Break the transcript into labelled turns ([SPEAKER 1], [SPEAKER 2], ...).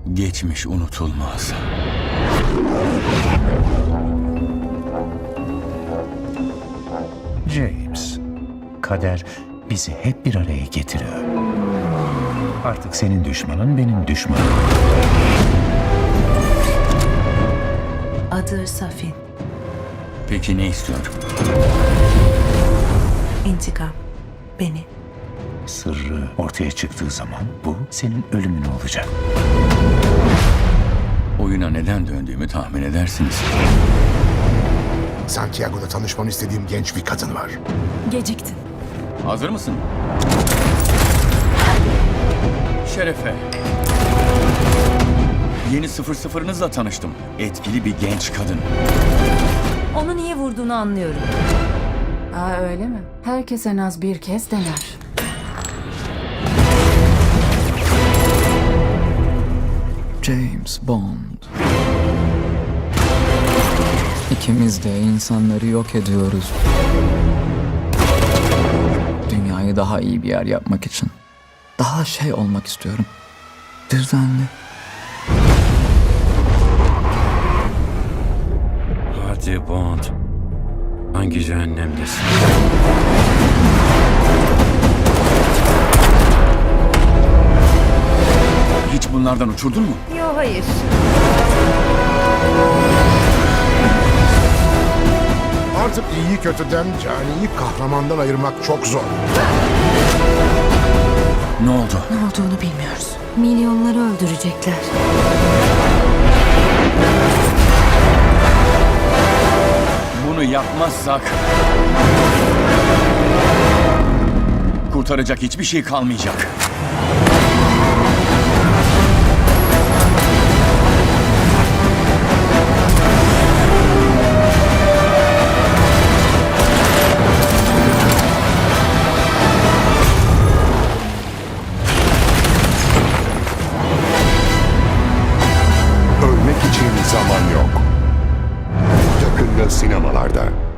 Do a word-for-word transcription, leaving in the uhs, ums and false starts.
[SPEAKER 1] Geçmiş unutulmaz.
[SPEAKER 2] James, kader bizi hep bir araya getiriyor. Artık senin düşmanın benim düşmanım.
[SPEAKER 3] Adı Safin.
[SPEAKER 1] Peki ne istiyor?
[SPEAKER 3] İntikam. Beni.
[SPEAKER 2] Sırrı ortaya çıktığı zaman bu senin ölümün olacak.
[SPEAKER 1] Oyuna neden döndüğümü tahmin edersiniz.
[SPEAKER 4] Santiago'da tanışmanı istediğim genç bir kadın var.
[SPEAKER 3] Geciktin.
[SPEAKER 1] Hazır mısın? Şerefe. Yeni sıfır sıfırınızla tanıştım. Etkili bir genç kadın.
[SPEAKER 3] Onu niye vurduğunu anlıyorum.
[SPEAKER 5] Aa öyle mi? Herkes en az bir kez dener.
[SPEAKER 6] James Bond. İkimiz de insanları yok ediyoruz. Dünyayı daha iyi bir yer yapmak için. Daha şey olmak istiyorum. Düzenli.
[SPEAKER 7] Hadi Bond. Hangi cehennemdesin?
[SPEAKER 1] Hiç bunlardan uçurdun mu?
[SPEAKER 3] Yo hayır.
[SPEAKER 4] Artık iyiyi kötüden, caniyi kahramandan ayırmak çok zor.
[SPEAKER 1] Ne oldu?
[SPEAKER 3] Ne olduğunu bilmiyoruz. Milyonları öldürecekler.
[SPEAKER 1] Bunu yapmazsak... kurtaracak hiçbir şey kalmayacak.
[SPEAKER 4] Ölmek için zaman yok. Yakında sinemalarda.